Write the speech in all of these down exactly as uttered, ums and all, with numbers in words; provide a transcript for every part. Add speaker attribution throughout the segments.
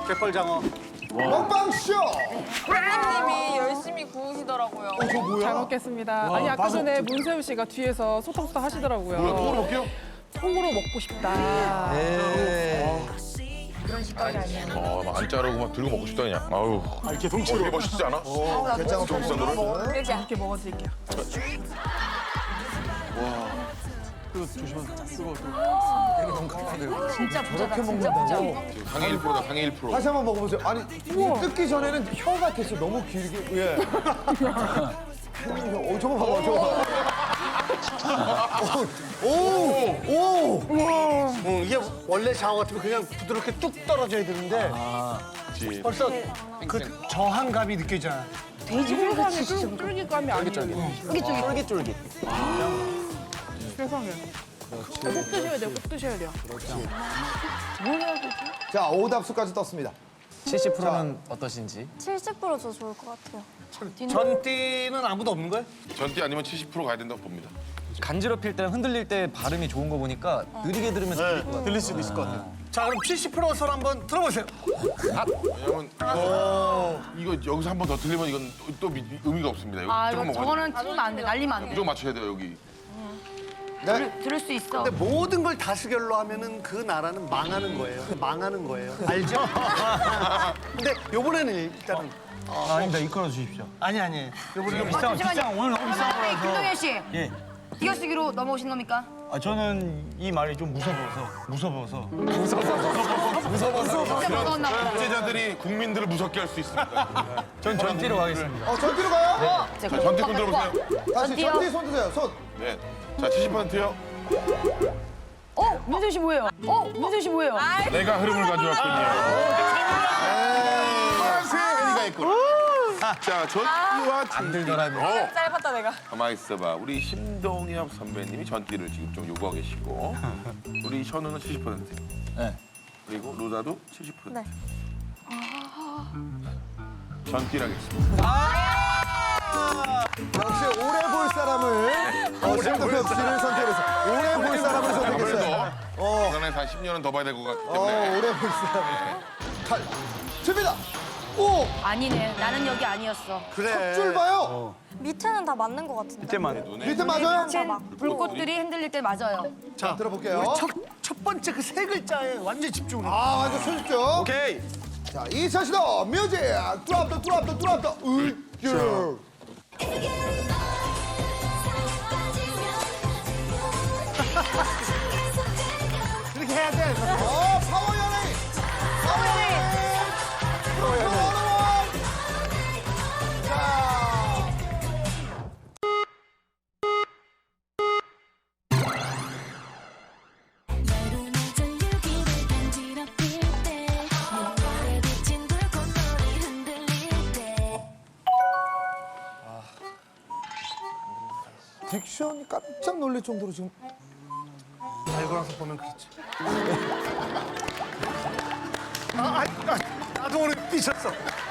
Speaker 1: 갯벌장어.
Speaker 2: 먹방쇼!
Speaker 3: 사장님이 열심히 구우시더라고요.
Speaker 2: 어, 저 뭐야?
Speaker 4: 잘 먹겠습니다. 아니 아까 전에 문세윤 씨가 뒤에서 소떡소떡 하시더라고요.
Speaker 5: 뭐야, 통으로 먹게요?
Speaker 4: 통으로 먹고 싶다.
Speaker 5: 어, 막 안 자르고 막 들고 먹고 싶다 그냥. 아유.
Speaker 1: 아, 이렇게
Speaker 5: 어,
Speaker 1: 동치로.
Speaker 5: 되게 멋있지 않아?
Speaker 2: 게장어
Speaker 5: 비싼
Speaker 4: 이렇게 먹어드릴게요.
Speaker 6: 진짜 부자다, 진짜 부자.
Speaker 5: 상해 일 퍼센트다, 상해 일 퍼센트.
Speaker 2: 다시 한번 먹어보세요. 아니, 이거 뜯기 전에는 혀 같았어. 너무 길게. 예. 어, 저거 봐봐, 저거 봐. 오, 오, 오.
Speaker 1: 응, 이게 원래 장어 같으면 그냥 부드럽게 뚝 떨어져야 되는데
Speaker 5: 그렇지.
Speaker 1: 벌써 그 저항감이 느껴지잖아.
Speaker 4: 돼지고기감이 쫄- 쫄깃감이 아니에요.
Speaker 6: 쫄깃쫄깃.
Speaker 4: 세상에. 꼭 드셔야 돼요, 꼭 드셔야 돼요.
Speaker 2: 자, 오답수까지 떴습니다.
Speaker 7: 칠십 퍼센트는 어떠신지?
Speaker 8: 칠십 퍼센트 저 좋을 것 같아요.
Speaker 1: 전띠는 아무도 없는 거예요?
Speaker 5: 전띠 아니면 칠십 퍼센트 가야 된다고 봅니다.
Speaker 7: 간지럽힐 때 흔들릴 때 발음이 좋은 거 보니까 느리게 들으면 들릴 것 같아요.
Speaker 1: 들릴 수도 있을 것 같아요. 자, 그럼 칠십 퍼센트 선 한번 들어보세요.
Speaker 5: 왜냐면 이거, 이거 여기서 한 번 더 틀리면 이건 또 미- 의미가 없습니다. 여기
Speaker 6: 아,
Speaker 5: 조금
Speaker 6: 이거
Speaker 5: 먹어야
Speaker 6: 저거는 틀리면 안 돼, 날리면 안 돼.
Speaker 5: 무조건 맞춰야 돼요, 여기.
Speaker 2: 네.
Speaker 6: 들을 수 있어.
Speaker 1: 근데 모든 걸 다수결로 하면은 그 나라는 망하는 거예요. 망하는 거예요. 알죠? 근데 요번에는 일단은
Speaker 9: 아, 아닙니다. 이끌어 주십시오.
Speaker 1: 아니 아니. 요번에
Speaker 9: 비싼, 비싼, 오늘 너무 비싼
Speaker 6: 아니,
Speaker 9: 거라서.
Speaker 6: 김동현 씨,
Speaker 9: 예.
Speaker 6: 띄어쓰기로 넘어오신 겁니까?
Speaker 9: 아, 저는 이 말이 좀 무서워서, 무서워서.
Speaker 6: 진짜 무서웠나 보다.
Speaker 5: 독재자들이 국민들을 무섭게 할 수 있습니다.
Speaker 9: 전 전띠로 가겠습니다.
Speaker 2: 어, 전띠로 가요?
Speaker 5: 자, 전띠 손 들어보세요.
Speaker 2: 다시
Speaker 6: 전띠요?
Speaker 2: 전띠 손 드세요, 손.
Speaker 5: 네. 자, 칠십 퍼센트요.
Speaker 6: 어, 문세윤 씨 뭐예요? 어, 문세윤 씨 뭐예요?
Speaker 5: 내가 흐름을 가져왔군요. 파란색 해리가 있구나. 자, 전띠와
Speaker 7: 안 들더라도.
Speaker 5: 어.
Speaker 3: 짧았다 내가.
Speaker 5: 가만히 있어봐. 우리 심동엽 선배님이 전띠를 지금 좀 요구하고 계시고 우리 현우는 칠십 퍼센트.
Speaker 7: 네.
Speaker 5: 그리고 로다도 칠십 퍼센트.
Speaker 8: 네.
Speaker 5: 전띠라겠습니다.
Speaker 2: 역시 오래 볼 사람을, 어, 심동엽 씨를 선택해서 오래 볼 사람을 선택했어요.
Speaker 5: 아무래도
Speaker 2: 어,
Speaker 5: 이번에 한 십 년은 더 봐야 될 것 같기
Speaker 2: 어,
Speaker 5: 때문에
Speaker 2: 오래 볼 사람. 칼, 칩니다. 오,
Speaker 6: 아니네, 나는 여기 아니었어.
Speaker 1: 그래.
Speaker 2: 줄 봐요.
Speaker 8: 밑에는 다 맞는 것 같은데.
Speaker 9: 이때만.
Speaker 2: 밑에 맞아요?
Speaker 6: 불꽃들이 흔들릴 때 맞아요.
Speaker 1: 자,
Speaker 2: 들어볼게요.
Speaker 1: 우리 첫, 첫 번째 그 세 글자에 완전 집중을 해.
Speaker 2: 아, 완전 초집중.
Speaker 1: 오케이.
Speaker 2: 자, 이차 시도 뮤직 드랍 더 드랍 더 드랍 더 으쌰.
Speaker 1: 이렇게 해야 돼.
Speaker 2: 어, 파워 연예인. 파워 연예인. 파워 연예인. 자,
Speaker 8: 여름의 전류기를 간지럽힐 때 눈물에 비친 불꽃놀이 흔들릴 때
Speaker 2: 딕션이 깜짝 놀랄 정도로 지금
Speaker 1: 알고 나서 보면 그렇지. 아, 아, 아, 나도 오늘 삐쳤어.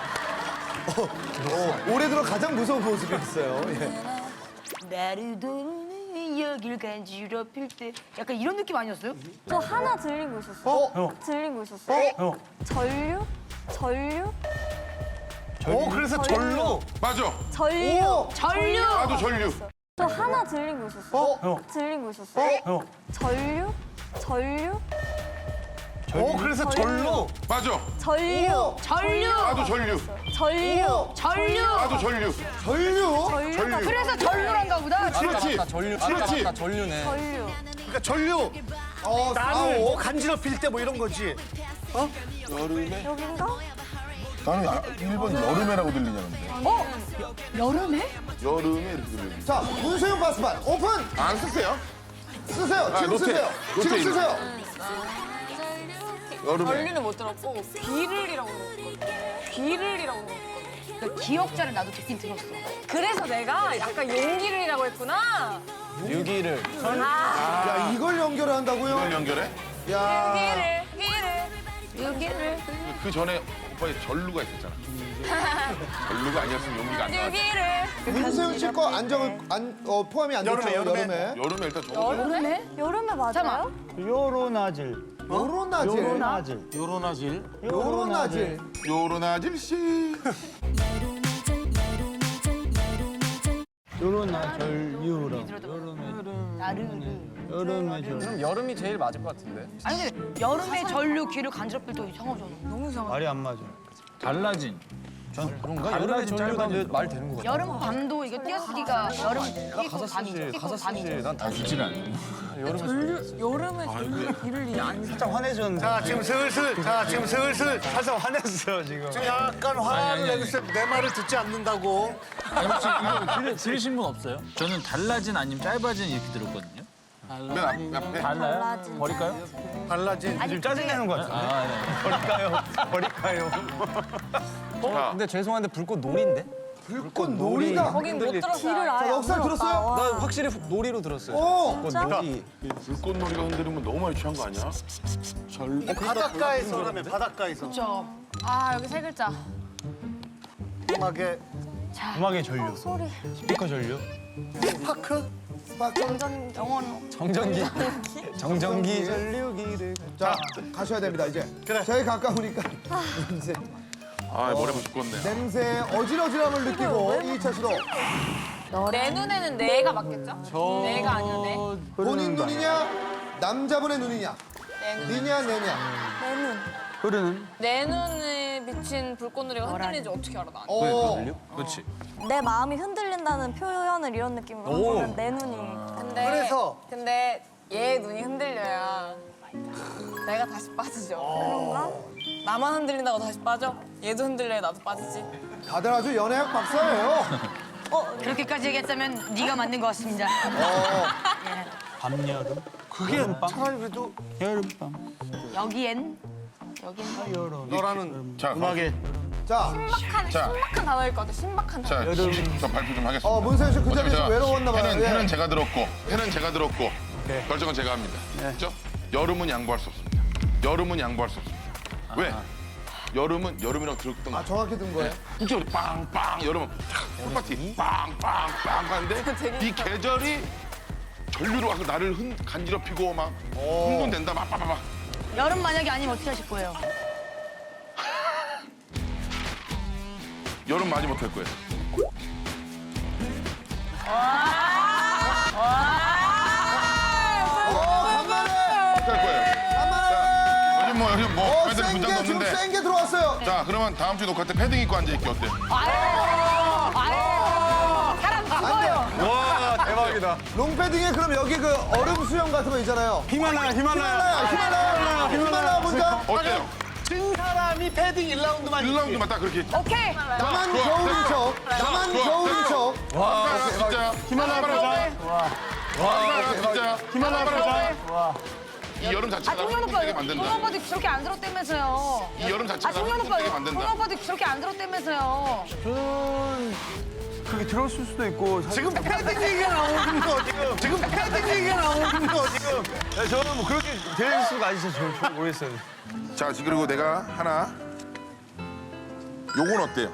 Speaker 2: 어, 올해 들어 가장 무서운 모습이었어요. 예.
Speaker 6: 나를 도는 여길 간지럽힐 때 약간 이런 느낌 아니었어요?
Speaker 8: 저 하나 들리고 있었어요.
Speaker 2: 어?
Speaker 8: 들리고 있었어요.
Speaker 9: 형.
Speaker 8: 전류? 전류?
Speaker 1: 어, 그래서 절로.
Speaker 5: 맞아.
Speaker 8: 전류?
Speaker 6: 전류!
Speaker 5: 나도 전류.
Speaker 8: 저 하나 들리고 있었어요.
Speaker 2: 어?
Speaker 9: 형.
Speaker 8: 들리고 있었어요.
Speaker 9: 형.
Speaker 8: 전류? 전류?
Speaker 1: 어, 그래서 절로.
Speaker 5: 맞아.
Speaker 8: 전류?
Speaker 6: 전류!
Speaker 5: 나도 전류.
Speaker 8: 전류?
Speaker 6: 전류!
Speaker 5: 나도 전류.
Speaker 2: 전류?
Speaker 8: 전류?
Speaker 6: 그래서 전류란가 보다.
Speaker 5: 그렇지.
Speaker 7: 맞다, 전류.
Speaker 5: 그렇지.
Speaker 7: 맞다, 전류네.
Speaker 8: 전류.
Speaker 1: 그러니까 전류.
Speaker 2: 어,
Speaker 1: 나를 뭐
Speaker 2: 사오.
Speaker 1: 간지럽힐 때 뭐 이런 거지.
Speaker 5: 여름에?
Speaker 8: 여긴가?
Speaker 5: 나는 아, 일 번 여름에라고 들리냐는데.
Speaker 6: 어? 여름에?
Speaker 5: 여름에 이렇게 들리지.
Speaker 2: 자, 문세윤 바스판 오픈!
Speaker 5: 안 쓰세요?
Speaker 2: 쓰세요.
Speaker 5: 아,
Speaker 2: 지금
Speaker 5: 노트.
Speaker 2: 쓰세요.
Speaker 5: 노트
Speaker 2: 지금
Speaker 5: 이름.
Speaker 2: 쓰세요.
Speaker 5: 여름에.
Speaker 3: 전류는 못 들었고 비를이라고 들었거든. 비를이라고 들었거든.
Speaker 6: 그 기억자를 나도 듣긴 들었어.
Speaker 3: 그래서 내가 약간 용기를이라고 했구나.
Speaker 7: 유기를.
Speaker 2: 야, 이걸 연결한다고요?
Speaker 5: 이걸 연결해?
Speaker 2: 야.
Speaker 3: 비를, 비를.
Speaker 6: 여기를.
Speaker 5: 그 전에 오빠의 전루가 있었잖아. 전루가 아니었으면 용기가 안 나왔어.
Speaker 3: 여기를
Speaker 2: 문세윤 씨 거 안정을 안, 어, 포함이 안 됐죠?
Speaker 1: 여름에, 여름에.
Speaker 2: 여름에.
Speaker 5: 여름에 일단 좋은
Speaker 8: 여름에? 여름에 맞아요?
Speaker 9: 요로나질.
Speaker 2: 요로나질.
Speaker 9: 요로나질. 요로나질.
Speaker 2: 요로나질.
Speaker 5: 요런 아질씨.
Speaker 9: 요로나절 유로.
Speaker 6: 나르르.
Speaker 9: 여름의 절.
Speaker 7: 그럼 여름이 제일 맞을 것 같은데.
Speaker 6: 아니 근데 여름에 전류 귀를 간지럽힐 때 이상하잖아. 너무 이상하.
Speaker 9: 말이 안 맞아. 달라진.
Speaker 7: 그런가? 여름에 전류가 말 되는 것 같아.
Speaker 6: 여름 밤도 이거 띄어쓰기가 여름 끼고
Speaker 7: 가사
Speaker 6: 밤이죠.
Speaker 7: 쓰지,
Speaker 6: 끼고
Speaker 7: 가사 쓰지.
Speaker 6: 밤이죠.
Speaker 7: 난다
Speaker 9: 좋진 않네.
Speaker 3: 여름에 전류 귀를 안
Speaker 9: 살짝 화내셨는데.
Speaker 1: 자, 지금 슬슬, 자, 지금 슬슬.
Speaker 9: 살짝 화냈어요 지금.
Speaker 1: 지금 약간 화를 내고 있어요. 내 말을 듣지 않는다고.
Speaker 10: 아니 혹시 이거 들, 들으신 분 없어요? 저는 달라진 아니면 짧아진 이렇게 들었거든요.
Speaker 5: 맨 앞, 앞에.
Speaker 10: 달라요?
Speaker 8: 달라진.
Speaker 10: 버릴까요?
Speaker 1: 달라진.
Speaker 9: 지금 짜증내는 것 같은데.
Speaker 10: 아, 네.
Speaker 9: 버릴까요? 버릴까요?
Speaker 5: 자,
Speaker 7: 근데 죄송한데 불꽃 놀인데?
Speaker 2: 불꽃 놀이다.
Speaker 3: 거긴 못
Speaker 8: 귀를
Speaker 3: 들었어요.
Speaker 2: 자,
Speaker 8: 아예 안
Speaker 2: 넉살 들었어요?
Speaker 8: 들었다. 와.
Speaker 7: 나 확실히 놀이로 들었어요.
Speaker 2: 오!
Speaker 7: 불꽃
Speaker 8: 진짜?
Speaker 7: 놀이.
Speaker 5: 불꽃놀이가 흔들리면 너무 많이 취한 거 아니야?
Speaker 1: 바닷가에서 그러면 바닷가에서.
Speaker 6: 그렇죠.
Speaker 3: 아 여기 세 글자.
Speaker 1: 음악의
Speaker 9: 음악의 전류.
Speaker 8: 소리.
Speaker 9: 스피커 전류.
Speaker 1: 파크?
Speaker 8: 정전
Speaker 6: 영어는
Speaker 7: 정전기. 정전기 전류기를.
Speaker 2: 자, 가셔야 됩니다, 이제.
Speaker 1: 그래.
Speaker 2: 저희 가까우니까. 냄새.
Speaker 5: 아, 머리 아프고 죽겠네.
Speaker 2: 냄새의 어지러지함을 느끼고 이 차 시도
Speaker 3: 내 눈에는 내가 맞겠죠? 내가 아니야 내.
Speaker 2: 본인 눈이냐, 남자분의 눈이냐,
Speaker 3: 내 눈.
Speaker 2: 니냐, 내냐.
Speaker 8: 내 눈.
Speaker 9: 흐르는.
Speaker 3: 내 눈에 비친 불꽃놀이가 흔들리는지 어떻게 알아 나?
Speaker 2: 어,
Speaker 7: 그렇지.
Speaker 8: 내 마음이 흔들린다는 표현을 이런 느낌으로
Speaker 7: 오.
Speaker 8: 하면 내 눈이.
Speaker 3: 근데
Speaker 1: 그래서?
Speaker 3: 근데 얘 눈이 흔들려야 내가 다시 빠지죠.
Speaker 8: 그런가?
Speaker 3: 나만 흔들린다고 다시 빠져? 얘도 흔들려야 나도 빠지지.
Speaker 2: 다들 아주 연애학 박사예요.
Speaker 6: 그렇게까지 얘기했다면 네가 맞는 것 같습니다.
Speaker 9: 밤 여름.
Speaker 1: 그게 차라리 그래도
Speaker 9: 여름밤.
Speaker 6: 여기엔 여기엔
Speaker 9: 여름.
Speaker 1: 너라는
Speaker 5: 자,
Speaker 9: 음악의
Speaker 1: 자,
Speaker 3: 신박한
Speaker 5: 자.
Speaker 3: 신박한 단어일 것 같아. 신박한 단어.
Speaker 5: 자, 저 발표 좀 하겠습니다.
Speaker 2: 어, 문세윤 씨 그
Speaker 5: 어차피
Speaker 2: 자리에서
Speaker 5: 제가
Speaker 2: 외로웠나 봐요.
Speaker 5: 펜은,
Speaker 2: 예.
Speaker 5: 펜은 제가 들었고, 펜은 제가 들었고, 결정은 제가 합니다. 그렇죠? 여름은 양보할 수 없습니다. 여름은 양보할 수 없습니다. 왜? 여름은 여름이라고 들었던 거.
Speaker 2: 아, 정확히 든 거예요?
Speaker 5: 진짜 우리 빵빵 여름은 홈파티 빵빵빵 하는데 이 계절이 전류로 와서 나를 흔, 간지럽히고 막 흥분된다 막 빠바바.
Speaker 6: 여름 만약에 아니면 어떻게 하실 거예요?
Speaker 5: 여름 많이 못할 거예요.
Speaker 2: 어, 간만에!
Speaker 5: 못할 거예요.
Speaker 2: 간만에!
Speaker 5: 요즘 뭐 요즘 뭐
Speaker 2: 어,
Speaker 5: 애들
Speaker 2: 센
Speaker 5: 부담도
Speaker 2: 게, 지금
Speaker 5: 없는데.
Speaker 2: 센 게 들어왔어요.
Speaker 5: 자 그러면 다음 주 녹화 때 패딩 입고 앉아 있기 어때?
Speaker 7: 와 대박이다.
Speaker 2: 롱패딩에 그럼 여기 그 얼음 수영 같은 거 있잖아요.
Speaker 9: 히말라야
Speaker 2: 히말라야,
Speaker 9: 히말라야.
Speaker 2: 히말라야, 히말라야 문장.
Speaker 5: 어때요?
Speaker 1: 진 사람이 패딩 일 라운드만
Speaker 5: 일 라운드만 딱 그렇게.
Speaker 3: 오케이.
Speaker 2: 나만
Speaker 5: 좋아,
Speaker 2: 겨울인
Speaker 5: 됐어.
Speaker 2: 척, 나만
Speaker 5: 좋아,
Speaker 2: 겨울인
Speaker 5: 됐어.
Speaker 2: 척.
Speaker 5: 와 진짜.
Speaker 9: 히말라야 보자.
Speaker 5: 와 진짜.
Speaker 9: 히말라야 보자.
Speaker 5: 이 여름 자체가
Speaker 6: 아, 송현 오빠,
Speaker 5: 힘들게
Speaker 6: 송현
Speaker 5: 만든다.
Speaker 6: 오빠도 저렇게 안 들었다면서요.
Speaker 5: 이 여름
Speaker 6: 아,
Speaker 5: 자체가
Speaker 6: 송현 오빠,
Speaker 5: 힘들게
Speaker 6: 송현
Speaker 5: 만든다.
Speaker 6: 오빠도 저렇게 안 들었다면서요.
Speaker 9: 저는 그게 들었을 수도 있고. 사실
Speaker 1: 지금 패딩 얘기가 나오는 거 지금. 지금 패딩 얘기가 나오는 거 지금.
Speaker 9: 네, 저는 뭐 그렇게 될 수가 있어요. 저, 저 모르겠어요.
Speaker 5: 자 지금 그리고 내가 하나. 요건 어때요?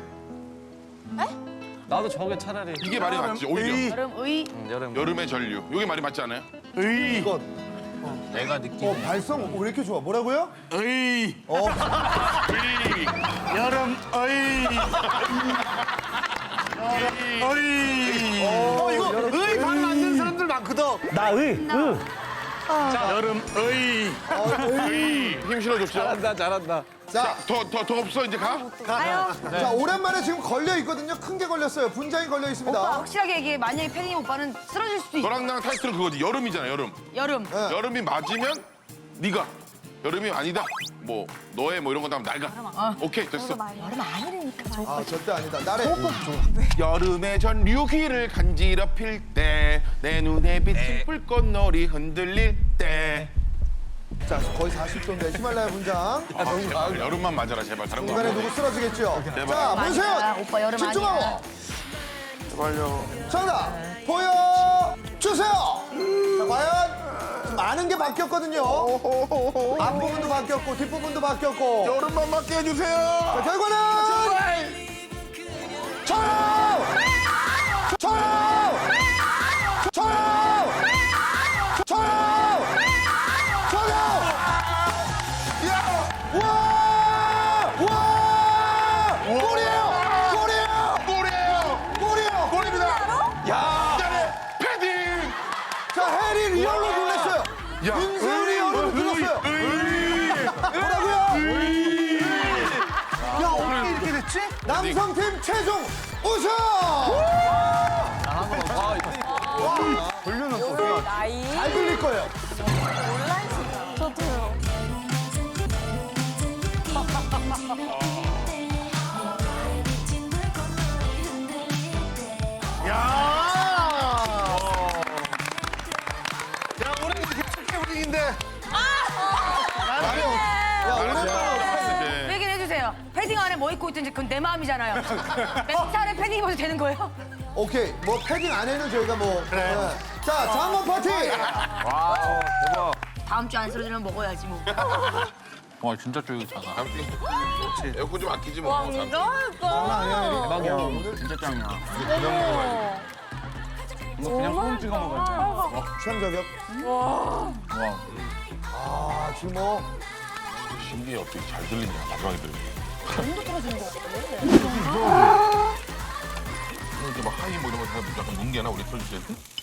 Speaker 7: 나도 저게 차라리
Speaker 5: 이게 말이 맞지 오히려.
Speaker 6: 여름 의
Speaker 7: 여름.
Speaker 5: 여름의 전류. 이게 말이 맞지 않아요?
Speaker 9: 의.
Speaker 2: 이거
Speaker 10: 내가
Speaker 2: 어,
Speaker 10: 느끼는
Speaker 2: 발성 왜 이렇게 좋아? 뭐라고요?
Speaker 9: 의.
Speaker 2: 어,
Speaker 9: 여름 의. 의.
Speaker 1: 어, 이거 의 발음 안 되는 사람들 많거든.
Speaker 9: 나 의. 의. 여름 의.
Speaker 5: 힘 실어줬죠?
Speaker 7: 잘한다 잘한다.
Speaker 2: 자,
Speaker 5: 더, 더, 더 없어 이제 가?
Speaker 2: 자 오랜만에 지금 걸려 있거든요. 큰 게 걸렸어요. 분장이 걸려
Speaker 6: 오빠
Speaker 2: 있습니다.
Speaker 6: 확실하게 얘기해. 만약에 패딩 오빠는 쓰러질 수도 있어.
Speaker 5: 너랑 나랑 타이틀은 그거지 여름이잖아 여름.
Speaker 6: 여름.
Speaker 2: 네.
Speaker 5: 여름이 맞으면 네가 여름이 아니다. 뭐 너의 뭐 이런 거 나면 날가. 오케이 됐어.
Speaker 6: 여름 아니라니까.
Speaker 2: 아 절대 아니다. 나래.
Speaker 5: 여름의 전류기를 간지럽힐 때 내 눈에 비친 불꽃놀이 흔들릴 때.
Speaker 2: 자 거의 사십 도인데 히말라야 분장.
Speaker 5: 아, 제발, 여름만 맞아라 제발 다른 거.
Speaker 2: 중간에
Speaker 5: 안
Speaker 2: 누구 쓰러지겠죠?
Speaker 5: 제발.
Speaker 2: 자
Speaker 6: 아니야,
Speaker 2: 문세윤
Speaker 6: 오빠 여름
Speaker 2: 집중하고.
Speaker 6: 아니야.
Speaker 5: 제발요.
Speaker 2: 정답 보여주세요. 자 과연 좀 많은 게 바뀌었거든요. 앞부분도 바뀌었고 뒷부분도 바뀌었고.
Speaker 5: 여름만 맞게 해주세요.
Speaker 2: 자, 결과는 저요! 저요! 저요! 저요! 저요!
Speaker 5: 야!
Speaker 2: 와! 와! 골이에요! 골이에요!
Speaker 5: 골이에요.
Speaker 2: 골이에요!
Speaker 5: 골입니다.
Speaker 2: 야!
Speaker 5: 기자의 패딩.
Speaker 2: 자, 해리 리얼로 놀랐어요.
Speaker 5: 야.
Speaker 2: 윤세윤이 리얼로 눌렀어요. 뭐라고요?
Speaker 1: 야 어떻게 이렇게 됐지?
Speaker 2: 남성팀 최종 우승!
Speaker 3: 나이.
Speaker 2: 잘 들릴 거예요.
Speaker 8: 저도요.
Speaker 1: 야! 야 우리 이렇게 축제 분위기인데.
Speaker 2: 야, 오랜만에
Speaker 6: 얘기를 해주세요. 패딩 안에 뭐 입고 있든지 그건 내 마음이잖아요. 멘트 안에 패딩 입어도 되는 거예요?
Speaker 2: 오케이. 뭐 패딩 안에는 저희가 뭐.
Speaker 1: 그래.
Speaker 2: 네. 자, 장원 파티!
Speaker 6: 다음 주 안 쓰러지면 먹어야지 뭐.
Speaker 10: 와 진짜 쫄깃하다.
Speaker 5: 에어컨 좀 아끼지 뭐.
Speaker 3: 완전 예뻐.
Speaker 10: 대박이야. 진짜 짱이야. 이거 그냥 소금 찍어 먹어야지.
Speaker 2: 취향 저격.
Speaker 10: 와.
Speaker 2: 아, 지금 뭐.
Speaker 5: 신기해 어떻게 잘 들리냐 마지막에 들으면. 이렇게 막 하이 뭐 이런 거 다 약간 뭉개나 우리 틀어줄 때.